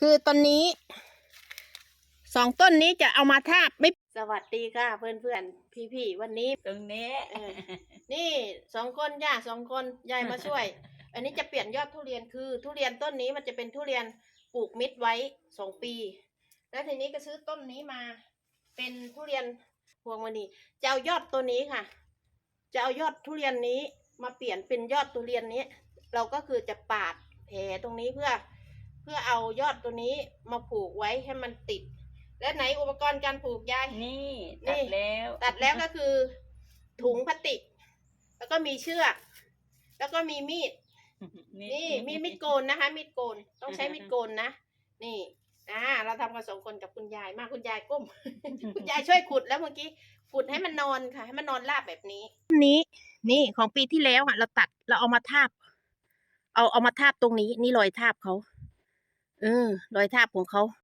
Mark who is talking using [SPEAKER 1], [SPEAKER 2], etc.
[SPEAKER 1] คือตอนนี้2 ต้นนี้จะเอามาทาบไม่สวัสดีค่ะเพื่อนๆพี่ๆวันนี้
[SPEAKER 2] ตรงนี้
[SPEAKER 1] นี่2 คนย่า2 คนยายมาช่วย อันนี้จะเปลี่ยนยอดทุเรียนคือทุเรียนต้นนี้มันจะเป็นทุเรียนปลูกมิดไว้2 ปี แล้วทีนี้ก็ซื้อต้นนี้มา เป็นทุเรียนพวงมณีจะเอายอดตัวนี้ค่ะ จะเอายอดทุเรียนนี้มาเปลี่ยนเป็นยอดทุเรียนนี้ เราก็คือจะปาดแผลตรงนี้เพื่อเอายอดตัวนี้มาผูกไว้ให้มันติด และไหนอุปกรณ์การผูกยาย
[SPEAKER 2] นี่ตัดแล้ว
[SPEAKER 1] ตัดแล้วก็คือถุงพลาสติก แล้วก็มีเชือก แล้วก็มีมีด นี่มีดโกนนะคะมีดโกนต้องใช้มีดโกนนะนี่เราทำกัน2 คนกับคุณยายมาคุณยายก้ม คุณยายช่วยขุดแล้วเมื่อกี้ขุดให้มันนอนค่ะให้มันนอนราบแบบนี้นี่ของปีที่แล้วเราตัดเราเอามาทาบเอามาทาบตรงนี้นี่รอยทาบเขารอยทาบของเขา